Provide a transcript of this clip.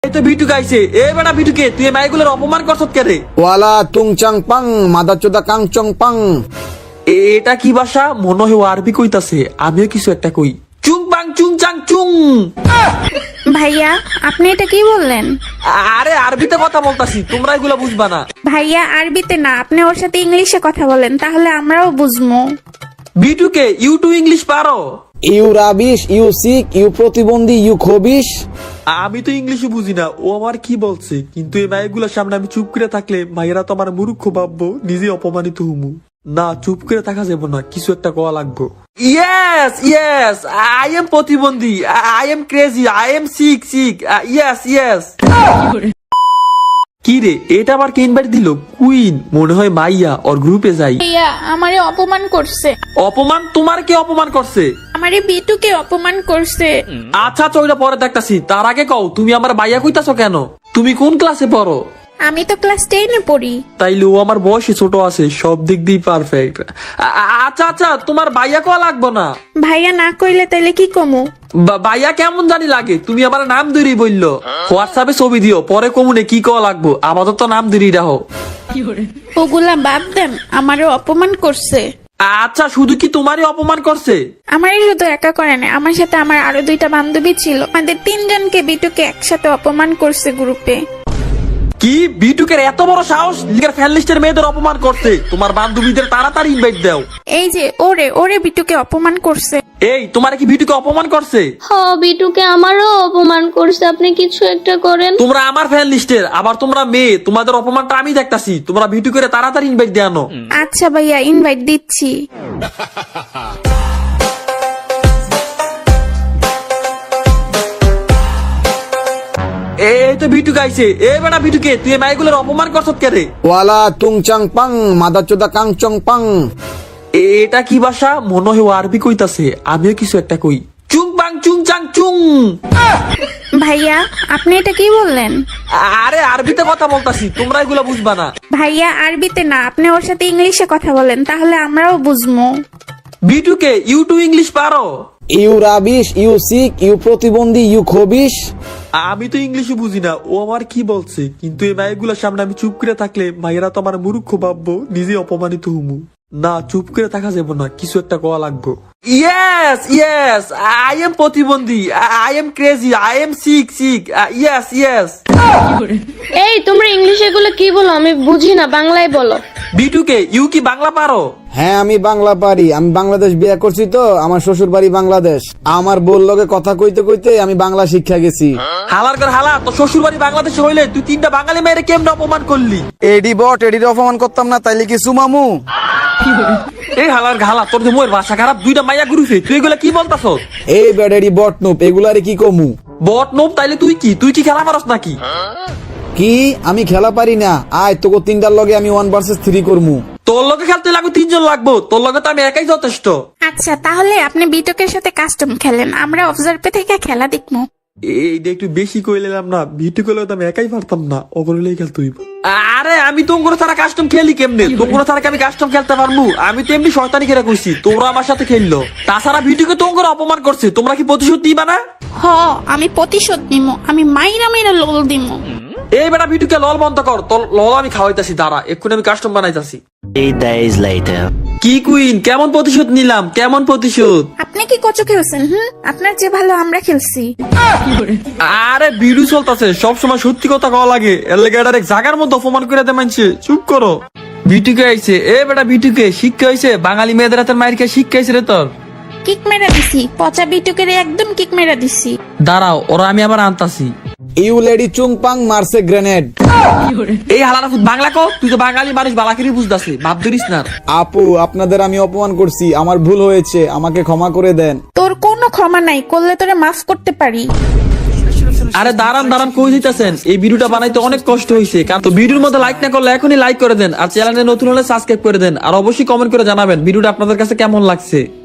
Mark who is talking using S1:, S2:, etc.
S1: এই তো ভিটু গাইছে। এ বেটা ভিটুকে তুই এই মাইগুলোর অপমান করছত কে রে?
S2: ওয়ালা তুং চাং পাং মাদা চোদা কাং চং পাং।
S1: এটা কি ভাষা? মনে হয় ও আরবি কইতাছে, আমিও কিছু একটা কই। চুং বাং চুং চাং চুং।
S3: ভাইয়া আপনি এটা কি বললেন?
S1: আরে আরবিতে কথা বলতাছি, তোমরা এগুলো বুঝবা না।
S3: ভাইয়া আরবিতে না, আপনি ওর সাথে ইংলিশে কথা বলেন, তাহলে আমরাও বুঝবো।
S1: ভিটুকে ইউ টু ইংলিশ পারো?
S2: You rubbish, you sick, you প্রতিবন্ধী, ইউ খবিশ।
S1: আমি তো ইংলিশে বুঝি না, ও আমার কি বলছে, কিন্তু এই মাইগুলোর সামনে আমি চুপ করে থাকলে মাইরা তো আমার মূর্খ ভাববো, নিজে অপমানিত হুমু। না, চুপ করে থাকা যাবো না, কিছু একটা কোয়া লাগবো। ইয়েস ইয়েস, আই এম প্রতিবন্ধী, I am crazy, I am sick sick, yes yes. কি রে, এটা আবার কে ইনভাইট দিল? কুইন মনে হয় মাইয়া, ওর গ্রুপে যাই।
S3: ভাইয়া আমারে অপমান করছে।
S1: অপমান? তোমার কে অপমান করছে?
S3: আমারে বিটুকে অপমান করছে।
S1: আচ্ছা চইটা পরে দেখতাছি, তার আগে কও তুমি আমার মাইয়া কইতাছো কেন? তুমি কোন ক্লাসে পড়ো?
S3: আমি তো ক্লাস 10 এ পড়ি।
S1: তাইলে ও আমার বয়সে ছোট আছে, সব দিক দিয়ে পারফেক্ট। আচ্ছা আচ্ছা, তোমার ভাইয়া কোয়া লাগবো না।
S3: ভাইয়া না কইলে তাইলে কি কমু?
S1: ভাইয়া কেমন জানি লাগে, তুমি আমার নাম ধরেই বললো। হোয়াটসঅ্যাপে ছবি দিও, পরে কমুনে কি কোয়া লাগবো, আপাতত নাম ধরেই রাখো।
S3: ওগুলা বাদ দেন, আমারে অপমান করছে।
S1: আচ্ছা, শুধু কি তোমারই অপমান করছে?
S3: আমারই শুধু একা করে না, আমার সাথে আমার আরো 2টা বান্ধবী ছিল, আমাদের 3 জনকে বিটুকে একসাথে অপমান করছে গ্রুপে।
S1: কি বিটুকের এত বড় সাহস লিগার ফ্যান লিস্টের মেয়েদের অপমান করতে? তোমার বান্ধবীদের তাড়াতাড়ি ইনভাইট দাও।
S3: এই যে ওরে ওরে বিটুকে অপমান করছে।
S1: এই তোমার কি বিটুকে অপমান করছে?
S4: বিটুকে আমারও অপমান করছে, আপনি কিছু একটা করেন।
S1: তোমরা আমার ফ্যান লিস্টের, আবার তোমরা মেয়ে, তোমাদের অপমানটা আমি দেখতাছি। তোমরা বিটুকের তাড়াতাড়ি ইনভাইট দেয়ানো।
S3: আচ্ছা ভাইয়া ইনভাইট দিচ্ছি।
S1: এই তো ভিটু গাইছে। এ বেটা ভিটুকে তুই এই মাইগুলোর অপমান করছত কে রে?
S2: ওয়ালা তুং চাং পাং মাদা চোদা কাং চং পাং।
S1: এটা কি ভাষা? মনে হয় ও আরবি কইতাছে, আমিও কিছু একটা কই। চুং বাং চুং চাং চুং।
S3: ভাইয়া আপনি এটা কি বললেন?
S1: আরে আরবিতে কথা বলতাছি, তোমরা এগুলো বুঝবা না।
S3: ভাইয়া আরবিতে না, আপনি ওর সাথে ইংলিশে কথা বলেন, তাহলে আমরাও বুঝবো।
S1: ভিটুকে ইউ টু ইংলিশ পারো?
S2: You rubbish, you sick, you প্রতিবন্ধী, ইউ খবিশ।
S1: আমি তো ইংলিশে বুঝি না, ও আমার কি বলছে, কিন্তু এই মাইগুলোর সামনে আমি চুপ করে থাকলে মাইরা তো আমার মূর্খ ভাববো, নিজে অপমানিত হুমু। না, চুপ করে থাকা যাবো না, কিছু একটা কোয়া লাগবো। ইয়েস ইয়েস, আই এম প্রতিবন্ধী, I am crazy, I am sick sick, yes yes.
S4: এই তোমরা ইংলিশে এগুলো কি বলো, আমি বুঝি না, বাংলায় বলো।
S1: বিটুকে ইউ কি বাংলা পারো?
S2: হ্যাঁ আমি বাংলা পারি, আমি বাংলাদেশ বিয়ে করছি তো, আমার শ্বশুর বাড়ি বাংলাদেশ। আমার বোর লগে কথা কইতে কইতে আমি বাংলা শিক্ষা গেছি।
S1: হালার কর হালা, তো শ্বশুর বাড়ি বাংলাদেশে হইলে তুই 3টা বাঙালি মেয়েরে কেমনে অপমান করলি?
S2: এডি বট, এডির অপমান করতাম না তাইলে কি সুমামু?
S1: এই হালার ঘালা, তোর যে মোয়ের ভাষা খারাপ, 2টা মাইয়া ঘুরিছে, তুই এগুলা কি বলতাছ?
S2: এই ব্যাড এডি বট নুপ, এগুলারে কি কমু?
S1: বট নোম? তাইলে তুই কি, তুই কি খেলা পারস নাকি?
S2: কি আমি খেলা পারি না? আয় তোকে 3টার লগে আমি 1 ভার্সেস 3 করমু।
S1: তোর লগে খেলতে লাগবে 3 জন লাগবো, তোর লগে তো আমি একাই যথেষ্ট।
S3: আচ্ছা তাহলে আপনি বিটুকের সাথে কাস্টম খেলেন, আমরা অবজার্ভে থেকে খেলা দেখবো।
S1: এইটা একটু বেশি কইলাম না, ভিটু করলে তো আমি একাই পারতাম না, ওগুলোই খেলতে হইব। আরে আমি তোমরা ছাড়া কাস্টম খেলি কেমনে? তোমরা ছাড়া কি আমি কাস্টম খেলতে পারবো? আমি তো এমনি শয়তানি খেলা কইছি, তোমরা আমার সাথে খেললো। তাছাড়া ভিটুকে তোমরা অপমান করছে, তোমরা কি প্রতিশোধ নিবা না?
S3: আমি প্রতিশোধ নিমো, আমি মাইরা মাইরা লোল দিমো।
S1: এই বেটা ভিটুকে লল বন্ধ কর, তোর লল আমি খাওয়াইতাছি, দাঁড়া এক্ষুনি আমি কাস্টম বানাইতাছি।
S5: 3 days later.
S1: কি কুইন, কেমন প্রতিশোধ নিলাম, কেমন প্রতিশোধ?
S3: আপনি কি কচু খেলছেন? আপনার যে ভালো আমরা খেলছি।
S1: আরে ভিডিও চলতেছে, সবসময় সত্যি কথা কওয়া লাগে, এর লেগে এটার এক জায়গার মধ্যে অপমান করে দে মানছে। চুপ করো। ভিটুকে আইছে। এ বেটা ভিটুকে শিক্ষা হইছে, বাঙালি মেয়েদের হাতের মায়ের খেয়ে শিক্ষা হইছে রে তোর।
S3: কিক মেরা দিছি, পচা বিটুকের একদম কিক মেরা দিছি।
S1: দাঁড়াও, ওরা আমি আবার আনতাছি।
S2: ইউ লেডি চুং পাং মারছে গ্রেনেড।
S1: এই হালারা বাংলা কো, তুই তো বাঙালি মানুষ, বালাকিরি বুঝতাছিস, ভাব ধরিস না।
S2: আপু আপনাদের আমি অপমান করছি, আমার ভুল হয়েছে, আমাকে ক্ষমা করে দেন।
S3: তোর কোনো ক্ষমা নাই, করলে তোরে মাফ করতে পারি।
S1: আরে দাঁড়ান দাঁড়ান, কই দিতেছেন? এই ভিডিওটা বানাইতে অনেক কষ্ট হয়েছে, কারণ তো ভিডিওর মধ্যে লাইক না করলে এখনই লাইক করে দেন, আর চ্যানেলে নতুন হলে সাবস্ক্রাইব করে দেন, আর অবশ্যই কমেন্ট করে জানাবেন ভিডিওটা আপনাদের কাছে কেমন লাগছে।